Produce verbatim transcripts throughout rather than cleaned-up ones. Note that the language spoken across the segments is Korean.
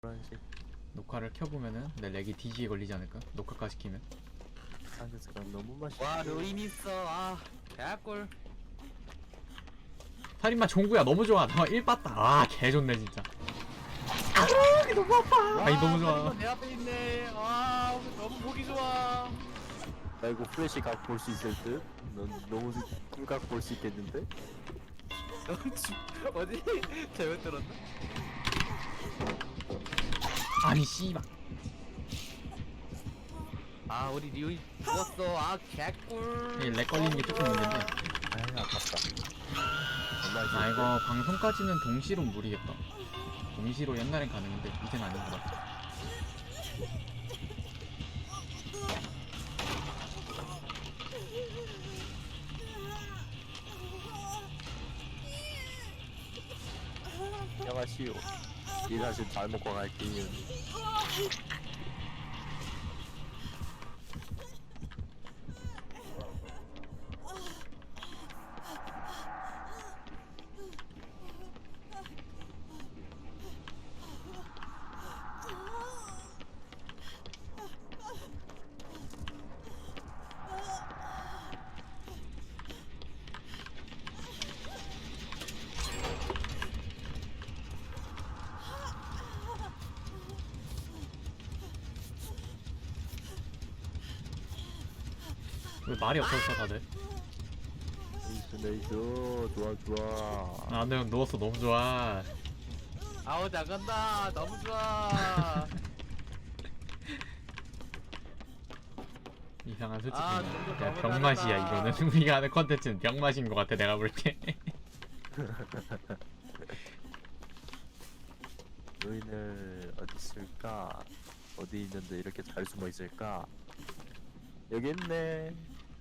노란색 녹화를 켜보면은 내 렉이 디지에 걸리지 않을까? 녹화까지 키면. 상대가 너무 맛있어. 와 루인 있어. 아 개꿀. 살인마 종구야 너무 좋아. 나 일 봤다. 아 개좋네 진짜. 아 너무 아파. 아니 너무 좋아. 내 앞에 있네. 아 너무 보기 좋아. 나 이거 플래시 각 볼 수 있을 듯? 넌 너무 꿀각 볼 수 있겠는데? 넌 지- 어디 잘못 들었나? 아니 씨발. 아 우리 리오이 죽었어. 아 개꿀. 렉 걸리는 게 조금 문제인데. 아이 아깝다. 얼마 나 이거 방송까지는 동시로 무리겠다. 동시로 옛날엔 가능한데 이젠 아닌 것 같아. 안녕하시오. 이 사실 잘 먹고 갈게요. 왜 말이 없었어 다들? 네이스 네이스 좋아 좋아. 나는 누웠어 너무 좋아. 아우 나간다. 너무 좋아. 이상한 솔직히 아, 정도 그냥 너무 병맛이야 다르다. 이거는. 우리가 하는 컨텐츠는 병맛인 것 같아 내가 볼 때. 루인을 어디 있을까? 어디 있는데 이렇게 잘 숨어 있을까? 여기 있네.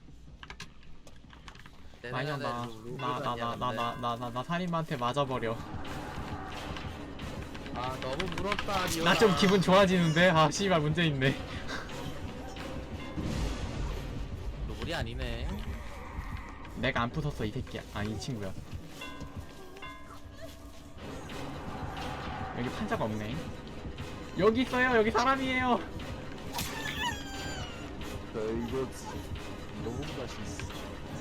아니야 나 나 나 나 나 나 나 나 나 살인마한테 맞아버려. 아 너무 물었다 리오나. 나 좀 기분 좋아지는데. 아 씨발 문제 있네. 노블이 아니네. 내가 안 부쉈어 이 새끼야. 아 이 친구야. 여기 판자가 없네. 여기 있어요. 여기 사람이에요. 저 이거 너무 맛있어.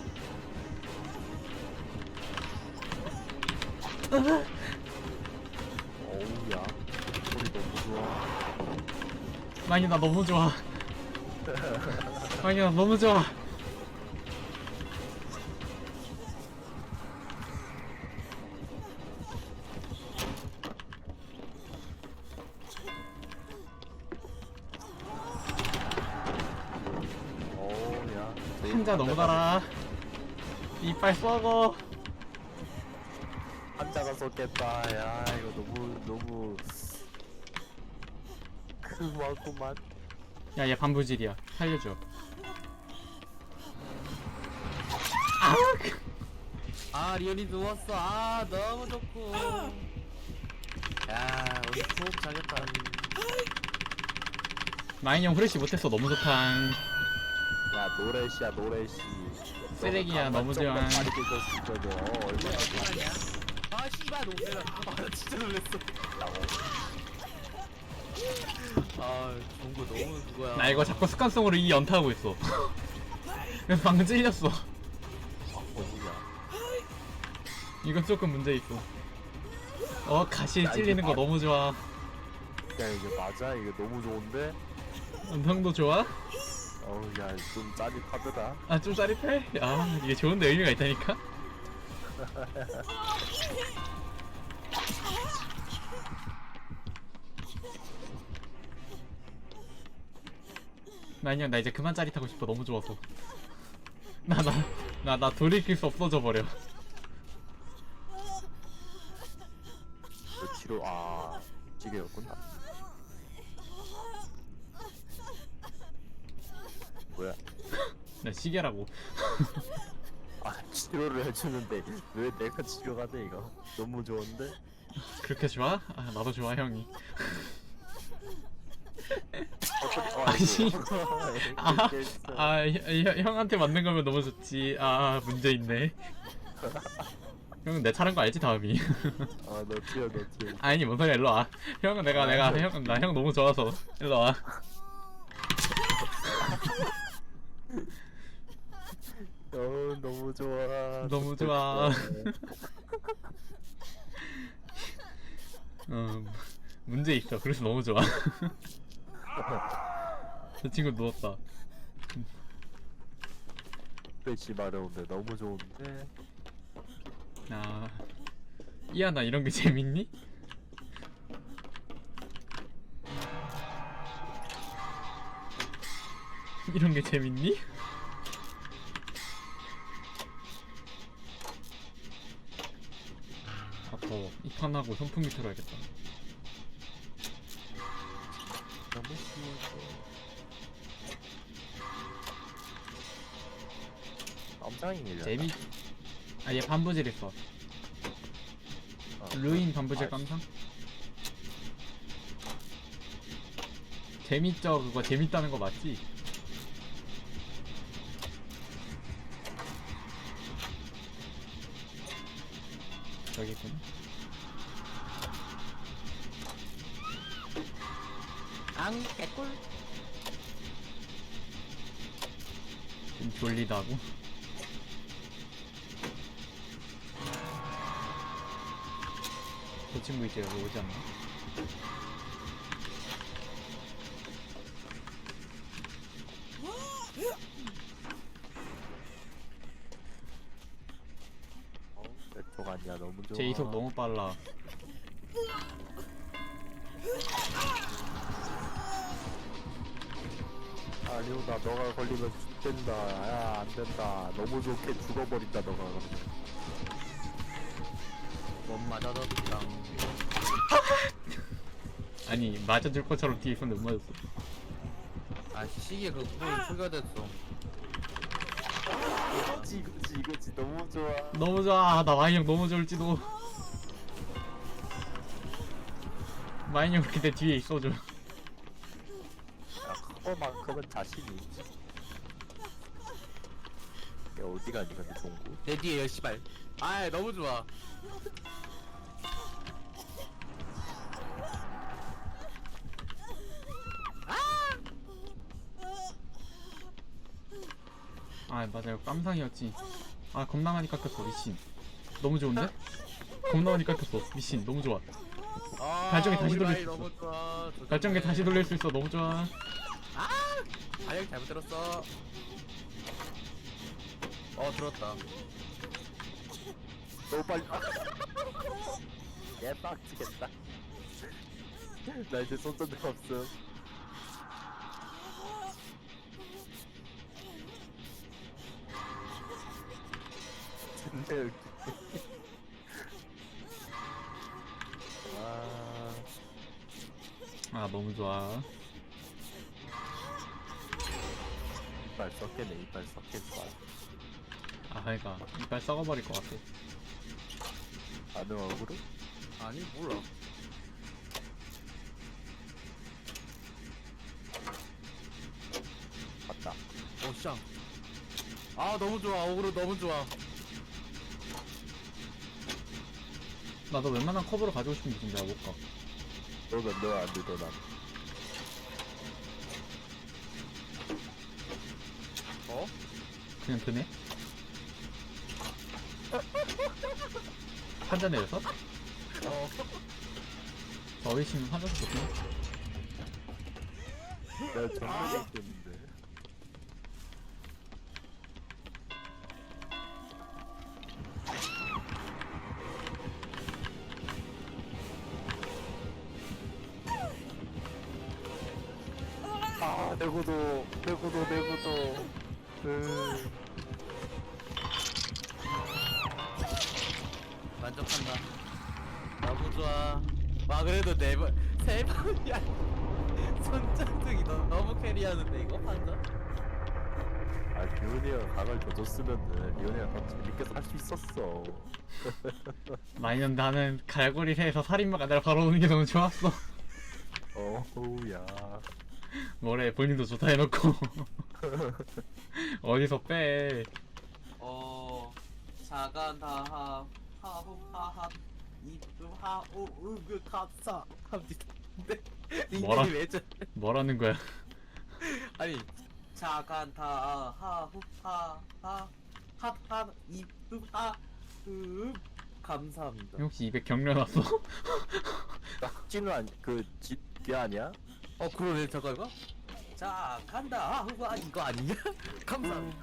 어우야 소리 너무 좋아. 많이 나 너무 좋아. 많이 나 너무 좋아. 어우야 판자 너무 달아. 이빨 썩어. 한자가 쏟겠다. 야 이거 너무 너무 크구만. 야 얘 반부질이야. 살려줘. 아 리오니 누웠어. 아 너무 좋고. 야 우리 수업 잘했다. 마인 형 후레쉬 못했어. 너무 좋다. 야 노래시야 노래시. 쓰레기야, 너무 좋아. 빨리 깨졌을 거죠. 어, 얼마나 아니야? 아 씨발 놀래라. 아나 진짜 놀랬어. 아 종구 너무 그거야. 나 이거 자꾸 습관성으로 이 연타하고 있어. 그래서 방금 찔렸어. 어디야? 이건 조금 문제 있어. 어 가시에 찔리는 거 너무 좋아. 야 이게 맞아? 이거 너무 좋은데? 음성도 좋아? 어우 야좀 짜릿하더라. 아 좀 짜릿해? 아 이게 좋은데 의미가 있다니까? 나 그냥 나 이제 그만 짜릿하고 싶어. 너무 좋아서. 나 나 나 나 돌이킬 수 없어져 버려. 그 치료 아 찌개였구나. 뭐야? 나 시계라고. 아 치료를 해주는데 왜 내가 치료가 돼 이거? 너무 좋은데? 그렇게 좋아? 아 나도 좋아 형이. 어, 아니. 아, 아, 아 형, 형한테 맞는 거면 너무 좋지. 아 문제 있네. 형은 내 차례인 거 알지 다음이? 아너 튀어 너 튀어. 아니 뭔 소리야 일로 와. 형은 내가 내가 형은 나 형 너무 좋아서 일로 와. 어 너무 좋아. 너무 좋아. 어 문제 있어. 그래서 너무 좋아. 저 친구 누웠다. 배시 마려운데 너무 좋은데. 아 이야 나 이런 게 재밌니? 이런 게 재밌니? 아 더워. 이 판하고 선풍기 틀어야겠다. 너무 귀여워. 깜짝이 밀려. 재미. 아 얘 반부질 있어. 어. 루인 반부질 아, 깜상? 재밌죠 그거 재밌다는 거 맞지? 저기 있구나. 앙 개꿀. 좀 졸리다고? 저 친구 이제 여기 오지 않나? 어, 내쪽 아니야 너무 좋아. 제 이속 너무 빨라. 아리오나 너가 걸리면 죽된다. 야 안된다. 너무 좋게 죽어버린다 너가 그러면. 못 맞아도 그냥. 아니 맞아줄 것처럼 뒤에 있었는데 못 맞았어. 아 시계 그 부분 초기화됐어. 이거지 이거지 이거지 너무 좋아. 너무 좋아. 나 마인 형 너무 좋을지도. 마인 형 그렇게 내 뒤에 있어줘. 야 그거만큼은 자신이 있지. 야 어디 가니 근데 종구. 내 뒤에 열시발. 아 너무 좋아. 아 맞아요 깜상이었지. 아 겁나 많이 깎였어 미친. 너무 좋은데? 겁나 많이 깎였어 미친. 너무 좋아. 아, 발전기 다시 우리 돌릴 라인 수 있어. 너무 좋아. 발전기 다시 돌릴 수 있어. 너무 좋아. 발열 잘못 들었어. 어 들었다. 너무 빨리. 얘 빡치겠다. 나 이제 손전등 없음. 존나 웃기네. 아, 아 너무 좋아. 이빨 썩겠네. 이빨 썩겠어. 아 그러니까 이빨 썩어버릴 것 같아. 아는 얼굴은? 아니 몰라. 맞다. 어 쌍. 아 너무 좋아. 어그로 너무 좋아. 나도 웬만한 커브로 가지고 싶은데 지금 내가 못 가. 너는 너안 돼, 너난. 어? 그냥 드네? 판자 내려서? 어. 어휘씨는 판자서 좋구나. 내가 정말 웃겼는데. 아, 내고도, 내고도, 내고도. 으. 만족한다. 너무 좋아. 와 그래도 네 번, 세 번이야. 손전등이 너, 너무 캐리하는데 이거 판자? 아, 리온이가 각을 더 줬으면은 리온이가 더 재밌게 살 수 있었어. 마이는 나는 갈고리 새에서 살인마가 날 바로 오는 게 너무 좋았어. 어우야. 뭐래 본인도 좋다 해놓고 어디서 빼. 어... 자간 다하 하후 하하 이쁨 하우 으그 감사 합니다. 근데 뭐라? 닉네임이 왜 저? 뭐라는 거야? 아니 자간타 하후 하하 핫핫 이쁨 하음 감사합니다. 혹시 입에 경련 왔어? 낙지는 아니 그집게 아니야? 어 그러네 잠깐 이거. 자 간다 하후 아 이거 아니냐? 감사합니다.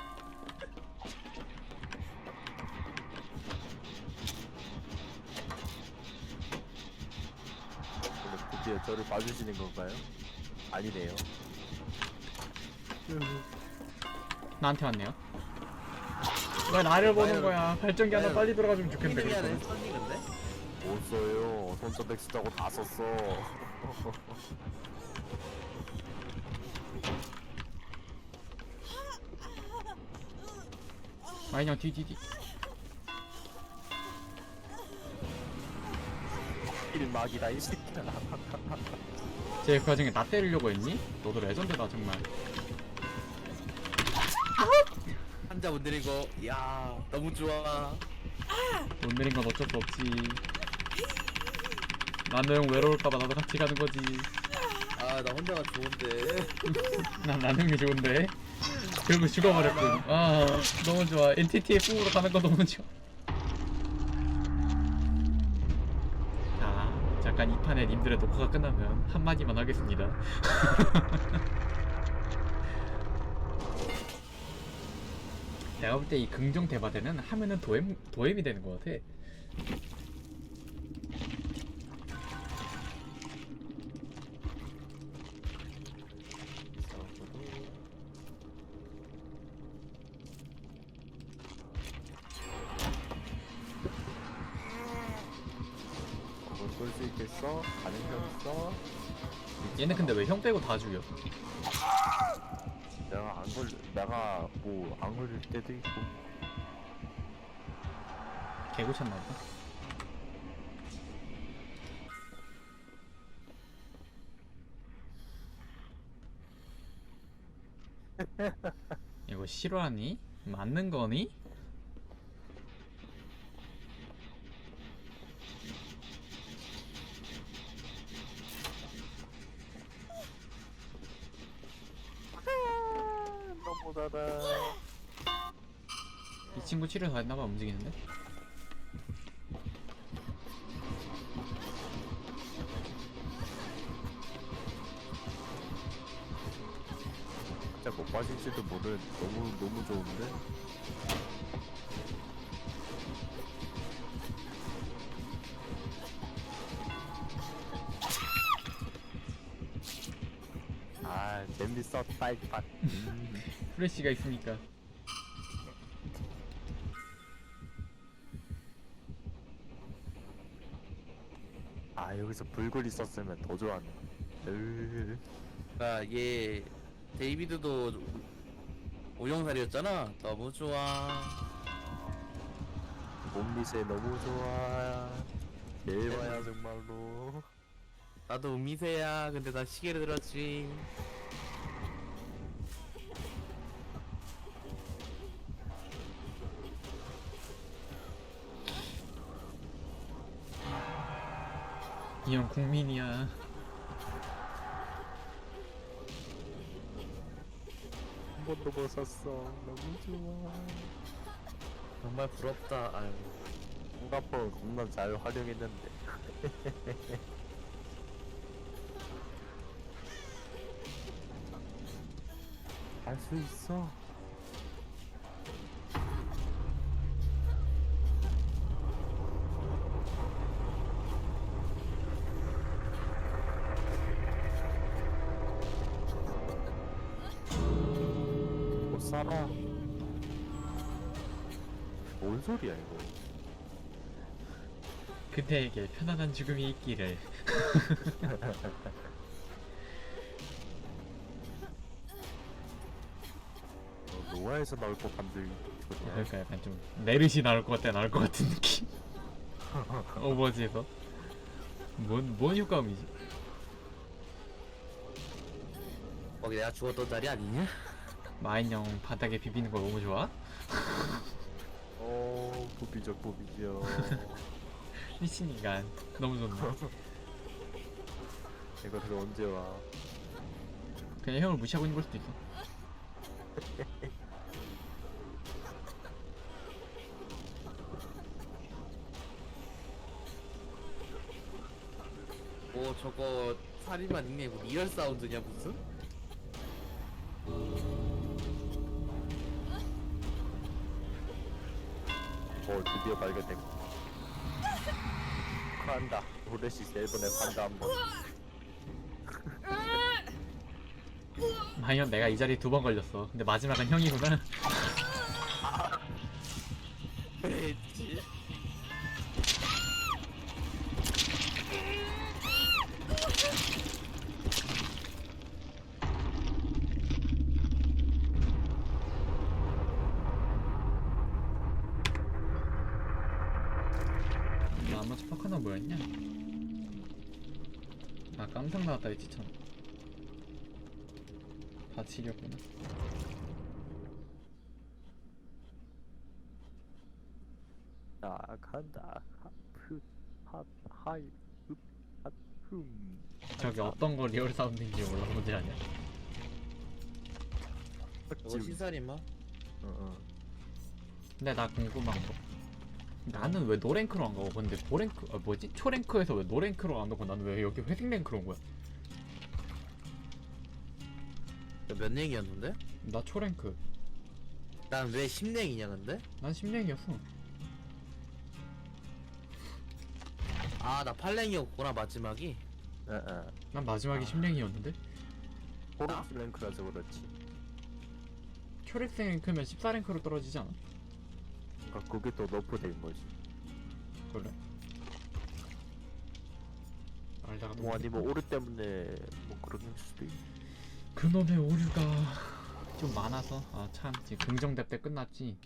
오늘 드디어 저를 봐주시는 건가요? 아니네요. 나한테 왔네요. 왜 나를 보는 와요. 거야? 발전기 하나 와요. 빨리 들어가주면 좋겠는데. 이름이 그럴 안에 거면. 선이 근데? 못 써요. 손전백 쓰자고 다 썼어. 마인형 뒤뒤뒤. 일막이다 이 새끼야. 쟤그 와중에 나 때리려고 했니? 너도 레전드다 정말. 한자 못 내리고 야 너무 좋아. 못 내린 건 어쩔 수 없지. 나는 외로울까봐 나도 같이 가는 거지. 아 나 혼자가 좋은데. 난 나능이 좋은데. 결국 죽어버렸군. 아 너무 좋아. 엔티티의 꿈으로 가는 거 너무 좋아. 자 잠깐 이 판에 님들의 녹화가 끝나면 한마디만 하겠습니다. 내가 볼 때 이 긍정 대바대는 하면은 도엠 도엠이 되는 것 같아. 뭘쏠수 있겠어? 가능성 있어? 얘는 근데 왜 형 빼고 다 죽여? 내가 안 걸, 내가 뭐 안 걸릴 때도 있고. 개고쳤나 보다. 이거 실화니? 맞는 거니? 너무 달아. 이 친구 치료 다 했나봐. 움직이는데? 진짜 못 빠질지도 모르는 너무 너무 좋은데. 아 재밌었다 이판. 음. 프레쉬가 있으니까. 아 여기서 불굴 있었으면 더 좋았네. 으. 그러니까 얘 데이비드도 오영살이었잖아. 너무 좋아. 몸미세 너무 좋아. 대박야 정말로. 나도 음미세야. 근데 나 시계를 들었지. 이 형 국민이야. 한 번도 못 샀어. 너무 좋아. 정말 부럽다. 아유. 홍가폰 겁나 잘 활용했는데. 할 수 있어. 못 살아. 뭔 소리야 이거? 그대에게 편안한 죽음이 있기를. 어, 노아에서 나올 법한 들 소리야. 그러니까 약간 좀 메르시 나올 것 같아. 나올 것 같은 느낌. 오버워치에서. 뭔, 뭔 효과음이지? 거기 내가 죽었던 자리 아니냐? 마인 형 바닥에 비비는 거 너무 좋아? 어, 그 뽀삐죠 뽀삐죠. 미친 인간. 너무 좋네. 이거 그래서 언제 와? 그냥 형을 무시하고 있는 걸 수도 있어. 뭐 저거 살인마 닉네임 뭐 리얼 사운드냐 무슨? 어 드디어 발견됐고. 간다. 브레시스 일본에 간다 한번. 마이언 내가 이 자리에 두 번 걸렸어. 근데 마지막은 형이구나. 그랬지. 나머지 파카나 뭐였냐? 아 깜상 나왔다 했지 참. 다치렸구나. 자 간다. 하프 하 하이 흡 하품. 저기 어떤 거 리얼 사운드인지 몰라. 뭔지 아냐? 저거 신살인마? 어어. 근데 나 궁금한 거. 나는 왜 노랭크로 안 가고 근데 보랭크 아 뭐지 초랭크에서 왜 노랭크로 안 가고 나는 왜 여기 회색 랭크로 온 거야? 몇 랭이었는데? 나 초랭크. 난 왜 십 랭이냐 근데? 난 십 랭이었어. 아 나 팔 랭이었구나 마지막이. 에에. 난 마지막이 십 랭이었는데 호르스 랭크라서 그렇지. 초록색 랭크면 십사 랭크로 떨어지지 않아? 그러니까 그게 또 너프된 거지. 그래? 알다가 뭐 아니면 오류 때문에 뭐 그런 수도 있. 그놈의 오류가 좀 많아서 아 참 지금 긍정대 때 끝났지.